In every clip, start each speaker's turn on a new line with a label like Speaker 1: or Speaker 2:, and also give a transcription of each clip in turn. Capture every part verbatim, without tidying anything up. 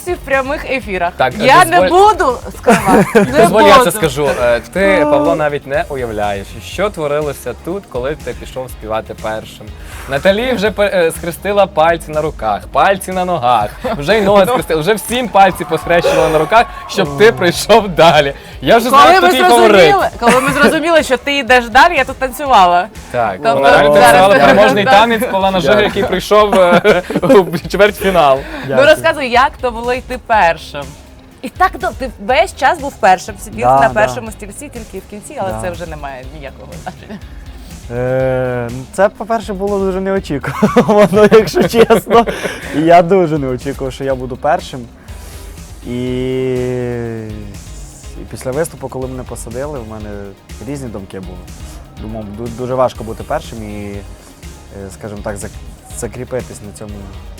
Speaker 1: досі в прямих ефірах.
Speaker 2: Так,
Speaker 1: я
Speaker 2: дозволь-
Speaker 1: не буду скривати. Не
Speaker 2: Дозволь,
Speaker 1: буду.
Speaker 2: я це скажу. Е, Ти, Павло, навіть не уявляєш, що творилося тут, коли ти пішов співати першим. Наталі вже пе- е, схрестила пальці на руках, пальці на ногах, вже й ноги схрестила, вже всім пальці посхрещувала на руках, щоб ти прийшов далі. Я вже знаю,
Speaker 1: Коли
Speaker 2: хто
Speaker 1: ми,
Speaker 2: твій фаворит.
Speaker 1: зрозуміли, коли ми зрозуміли, що ти йдеш далі, я тут танцювала.
Speaker 2: Так,
Speaker 1: Тобто
Speaker 2: вона реально
Speaker 1: зараз-
Speaker 2: танцювала
Speaker 1: зараз-
Speaker 2: переможний
Speaker 1: так.
Speaker 2: танець Павла Нажига, який прийшов е, у чвертьфінал.
Speaker 1: Ну розказуй, як то було йти першим. І так, ну, ти весь час був першим, сидів
Speaker 3: Да,
Speaker 1: на
Speaker 3: да.
Speaker 1: першому стільці, тільки в кінці, але
Speaker 3: Да.
Speaker 1: це вже не має ніякого значення.
Speaker 3: Е, ну, це, по-перше, було дуже неочікувано, якщо чесно. І я дуже не очікував, що я буду першим. І, і після виступу, коли мене посадили, в мене різні думки були. Думав, ду- дуже важко бути першим і, е, скажімо так, зак- закріпитись на цьому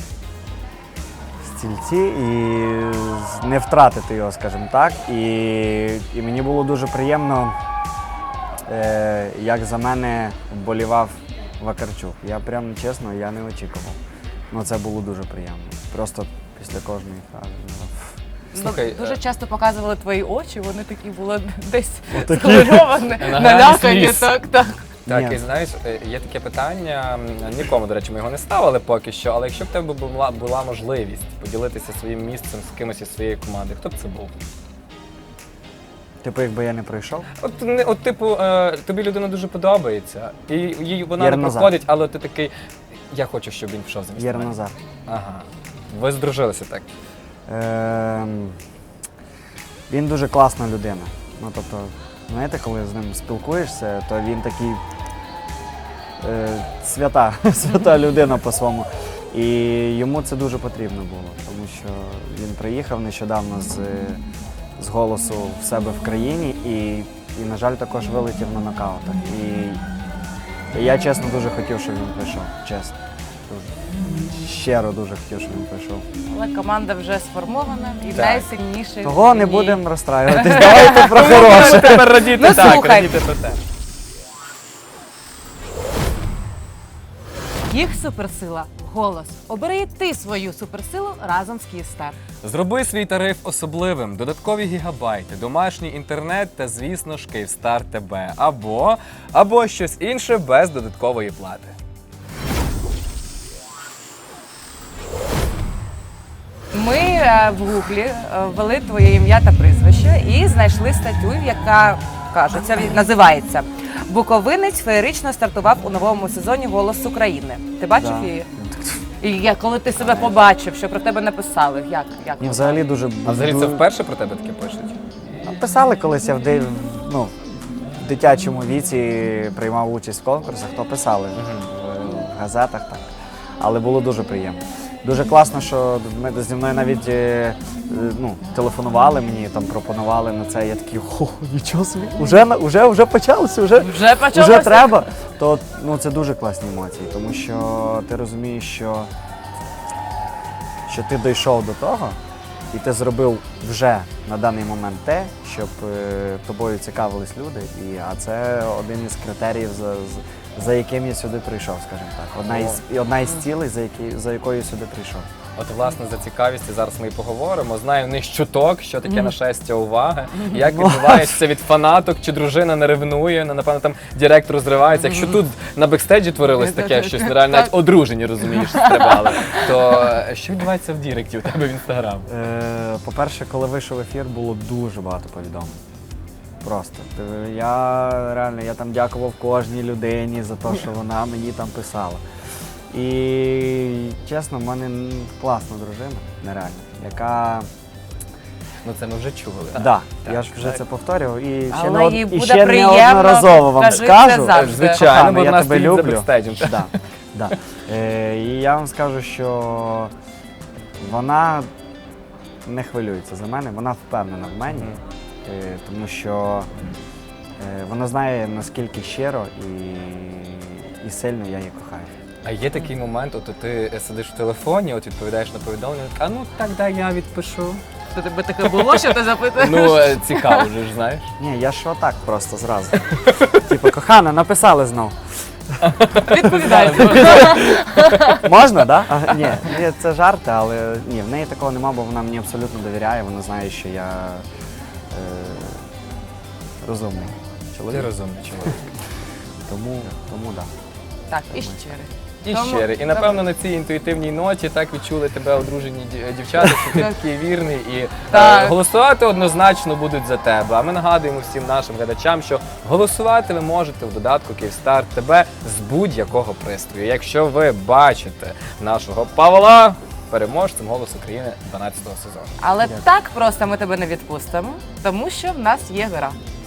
Speaker 3: стільці і з- не втратити його, скажімо так. І, і мені було дуже приємно, е, як за мене вболівав Вакарчук. Я прям чесно, я не очікував. Ну це було дуже приємно. Просто після кожної фрази. ну,
Speaker 2: Слухай,
Speaker 1: Ну, дуже
Speaker 2: е,
Speaker 1: часто показували твої очі, вони такі були десь
Speaker 3: Отакі.
Speaker 1: схвильовані,
Speaker 2: Награні
Speaker 1: налякані,
Speaker 2: сліз.
Speaker 1: так, так.
Speaker 2: Так,
Speaker 3: Ні.
Speaker 2: і знаєш, е, є таке питання, м, нікому, до речі, ми його не ставили поки що, але якщо б в тебе була, була можливість поділитися своїм місцем з кимось із своєї команди, хто б це був?
Speaker 3: Типу, якби я не пройшов.
Speaker 2: От, не- от типу, е, тобі людина дуже подобається, і їй вона не
Speaker 3: Єрназар.
Speaker 2: проходить, але ти такий, я хочу, щоб він пішов замість
Speaker 3: Єр
Speaker 2: мене.
Speaker 3: Назар.
Speaker 2: Ага. Ви здружилися так.
Speaker 3: Ем, він дуже класна людина. Ну, тобто, знаєте, коли з ним спілкуєшся, то він такий е, свята, свята людина по-своєму. І йому це дуже потрібно було, тому що він приїхав нещодавно з, з голосу в себе в країні і, і, на жаль, також вилетів на нокаутах. І, і я чесно дуже хотів, щоб він прийшов. Чесно. Дуже. Щиро дуже хотів, щоб він прийшов.
Speaker 1: Але команда вже сформована і
Speaker 2: Так.
Speaker 1: найсильніший.
Speaker 3: Того не
Speaker 1: в ній.
Speaker 3: будемо розстраюватись. Давайте про хороше.
Speaker 2: Тепер радіти
Speaker 1: Ну,
Speaker 2: так,
Speaker 1: слухай.
Speaker 2: радіти про те.
Speaker 1: Їх суперсила – голос. Обери і ти свою суперсилу разом з Київстар.
Speaker 2: Зроби свій тариф особливим, додаткові гігабайти, домашній інтернет та, звісно ж, Київстар ТБ. Або, або щось інше без додаткової плати.
Speaker 1: Ми е, в гуглі е, ввели твоє ім'я та прізвище і знайшли статтю, яка каже, це називається «Буковинець феєрично стартував у новому сезоні «Голос України». Ти бачив
Speaker 3: Да.
Speaker 1: її? І я, коли ти себе побачив, що про тебе написали, як? як
Speaker 3: Ні, взагалі дуже...
Speaker 2: А взагалі це
Speaker 3: дуже-
Speaker 2: вперше про тебе таке пишуть?
Speaker 3: Писали колись я в, ди- ну, в дитячому віці приймав участь в конкурсах, то писали в, в газетах, так. Але було дуже приємно. Дуже класно, що ми зі мною навіть е, е, ну, телефонували мені, там пропонували на це. Я такий, о, нічого собі, вже, на- вже, вже почалося, вже,
Speaker 1: Вже почалося?
Speaker 3: вже треба. То ну, це дуже класні емоції, тому що ти розумієш, що, що ти дійшов до того, і ти зробив вже на даний момент те, щоб е, тобою цікавились люди. І, а це один із критеріїв, за, з- за яким я сюди прийшов, скажімо так. Одна із, і одна із цілей, за, які, за якою я сюди прийшов.
Speaker 2: От, власне, за цікавістю зараз ми і поговоримо. Знаю в них чуток, що таке нашестя уваги, як відбувається від фанаток, чи дружина не ревнує, ну, напевно, там директор розривається. Якщо тут на бекстейджі творилось таке щось нереально, навіть одружені, розумієш, стрибали, то е, що відбувається в Діректі у тебе в Інстаграм?
Speaker 3: Е, по-перше, коли вийшов ефір, було дуже багато повідомлень. Просто. Ти- Я реально я там дякував кожній людині за те, що вона мені там писала. І чесно, в мене м, класна дружина, нереально, яка.
Speaker 2: Ну це ми вже чули.
Speaker 3: Так, да,
Speaker 2: так,
Speaker 3: я ж вже
Speaker 2: так.
Speaker 3: це повторював і ще,
Speaker 1: Але
Speaker 3: не, од-
Speaker 1: їй
Speaker 3: і
Speaker 1: буде
Speaker 3: ще
Speaker 1: приємно,
Speaker 3: неодноразово вам
Speaker 1: кажи це
Speaker 3: скажу.
Speaker 1: завжди.
Speaker 2: Звичайно,
Speaker 3: Кохана,
Speaker 2: бо
Speaker 3: я
Speaker 2: вона
Speaker 3: тебе
Speaker 2: стоїть за
Speaker 3: люблю.
Speaker 2: бекстейджем.
Speaker 3: Да, да. Е, і я вам скажу, що вона не хвилюється за мене, вона впевнена в мені, е, тому що е, вона знає, наскільки щиро і, і сильно я її кохаю.
Speaker 2: А є такий момент, от ти сидиш в телефоні, от відповідаєш на повідомлення, а ну так, да, я відпишу.
Speaker 1: То тебе таке було, що ти запитуєш?
Speaker 2: Ну, е, цікаво вже ж, знаєш.
Speaker 3: Ні, я ж отак просто зразу. Типу, кохана, написали знов.
Speaker 1: Відповідай.
Speaker 3: Можна, так? Да? Ні, ні, це жарти, але ні, в неї такого нема, бо вона мені абсолютно довіряє, вона знає, що я е, розумний
Speaker 2: Ти
Speaker 3: чоловік.
Speaker 2: розумний чоловік.
Speaker 3: Тому, тому да.
Speaker 1: Так, і щирий.
Speaker 2: І
Speaker 1: Тому-
Speaker 2: щирий. І напевно на цій інтуїтивній ноті так відчули тебе одружені ді- дівчата, що ти такий вірний і е,
Speaker 1: Так.
Speaker 2: голосувати однозначно будуть за тебе. А ми нагадуємо всім нашим глядачам, що голосувати ви можете в додатку Київстар ТБ з будь-якого пристрою. Якщо ви бачите нашого Павла переможцем «Голос України» дванадцятого сезону.
Speaker 1: Але
Speaker 3: Дякую.
Speaker 1: так просто ми тебе не відпустимо, тому що в нас є гра.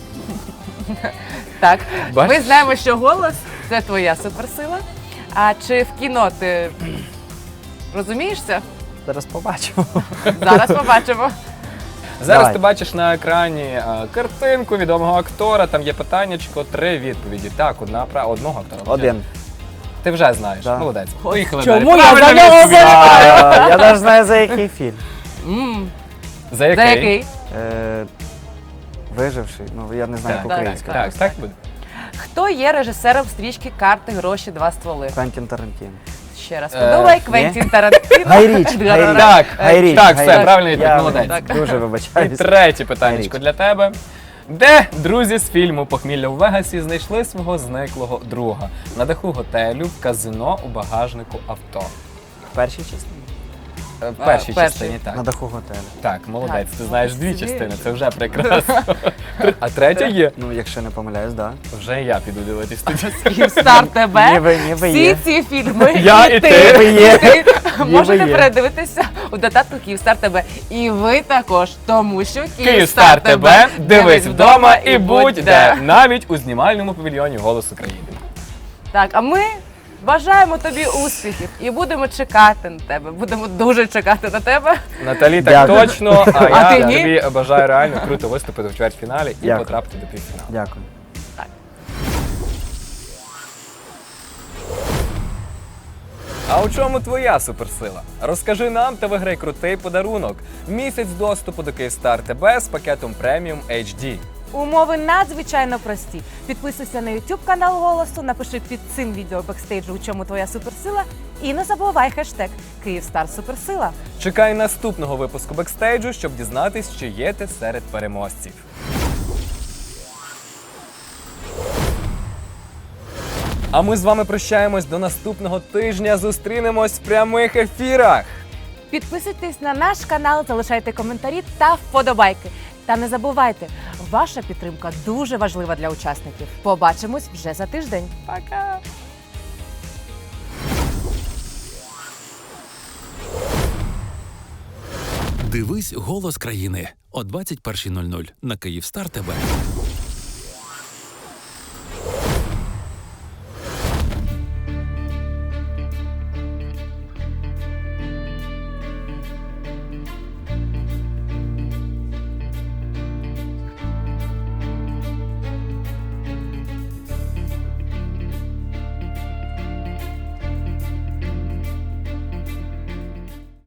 Speaker 1: Так,
Speaker 2: Бачиш?
Speaker 1: ми знаємо, що голос це твоя суперсила. А чи в кіно ти розумієш це?
Speaker 3: Зараз побачимо.
Speaker 1: Зараз побачимо.
Speaker 2: Зараз
Speaker 3: Давай.
Speaker 2: ти бачиш на екрані е, картинку відомого актора, там є питаннячко, три відповіді. Так, одна права, одного актора.
Speaker 3: Один.
Speaker 2: Ти вже знаєш.
Speaker 3: Да.
Speaker 2: Молодець. Поїхали
Speaker 1: Чому
Speaker 2: далі.
Speaker 1: я за
Speaker 2: Правильна
Speaker 1: нього
Speaker 2: відповідь.
Speaker 3: А, я навіть знаю, за який фільм.
Speaker 1: М,
Speaker 2: За
Speaker 1: За
Speaker 2: який?
Speaker 1: який?
Speaker 3: Е, Виживший, ну я не знаю
Speaker 2: Так,
Speaker 3: як
Speaker 2: так,
Speaker 3: українською.
Speaker 2: так, так буде.
Speaker 1: Хто є режисером стрічки «Карти, гроші, два стволи»?
Speaker 3: Квентін Тарантіно.
Speaker 1: Ще раз
Speaker 2: Е,
Speaker 1: подумай,
Speaker 3: ні?
Speaker 1: Квентін Тарантіно.
Speaker 3: Гайріч, Гайріч.
Speaker 2: Так,
Speaker 3: Гайріч,
Speaker 2: так, все,
Speaker 3: Гайріч.
Speaker 2: правильно відповідь,
Speaker 3: Я
Speaker 2: молодець.
Speaker 1: Так.
Speaker 3: Дуже
Speaker 2: І
Speaker 3: вибачаюсь.
Speaker 2: третє питаннячко
Speaker 3: Гайріч.
Speaker 2: для тебе. Де друзі з фільму «Похмілля у Вегасі» знайшли свого зниклого друга? На даху готелю, в казино, у багажнику авто.
Speaker 3: В першій частині?
Speaker 2: Е, В першій
Speaker 1: в першій.
Speaker 2: частині так.
Speaker 3: На даху готелю.
Speaker 2: Так, молодець,
Speaker 1: Так,
Speaker 2: ти знаєш дві
Speaker 1: собі.
Speaker 2: частини, це вже прекрасно. А третя є.
Speaker 3: Ну, якщо не помиляюсь, так.
Speaker 2: Вже я піду дивитись тоді.
Speaker 1: Київстар ТБ.
Speaker 3: Ніби, ніби
Speaker 1: Всі
Speaker 3: є.
Speaker 1: ці фільми
Speaker 2: Я і ти.
Speaker 3: Ніби є.
Speaker 1: і ти можете
Speaker 3: є.
Speaker 1: передивитися у додатку Київстар ТБ. І ви також, тому що
Speaker 2: Київстар ТБ, дивись вдома і будь де, навіть у знімальному павільйоні «Голос України».
Speaker 1: Так, а ми бажаємо тобі успіхів і будемо чекати на тебе. Будемо дуже чекати на тебе.
Speaker 2: Наталі, так
Speaker 3: Дякую.
Speaker 2: точно, а,
Speaker 1: А
Speaker 2: я
Speaker 1: ти ні?
Speaker 2: тобі бажаю реально круто виступити в чвертьфіналі і
Speaker 3: Дякую.
Speaker 2: потрапити до півфіналу.
Speaker 3: Дякую.
Speaker 2: А у чому твоя суперсила? Розкажи нам та виграй крутий подарунок. Місяць доступу до Київстар ТБ з пакетом преміум ейч ді.
Speaker 1: Умови надзвичайно прості. Підписуйся на YouTube канал Голосу, напиши під цим відео бекстейджу, у чому твоя суперсила, і не забувай хештег Київстар Суперсила.
Speaker 2: Чекай наступного випуску бекстейджу, щоб дізнатись, чи є ти серед переможців. А ми з вами прощаємось до наступного тижня. Зустрінемось в прямих ефірах.
Speaker 1: Підписуйтесь на наш канал, залишайте коментарі та вподобайки. Та не забувайте, ваша підтримка дуже важлива для учасників. Побачимось вже за тиждень. Пока!
Speaker 4: Дивись «Голос країни» о двадцять першій нуль нуль на Київстар ТБ.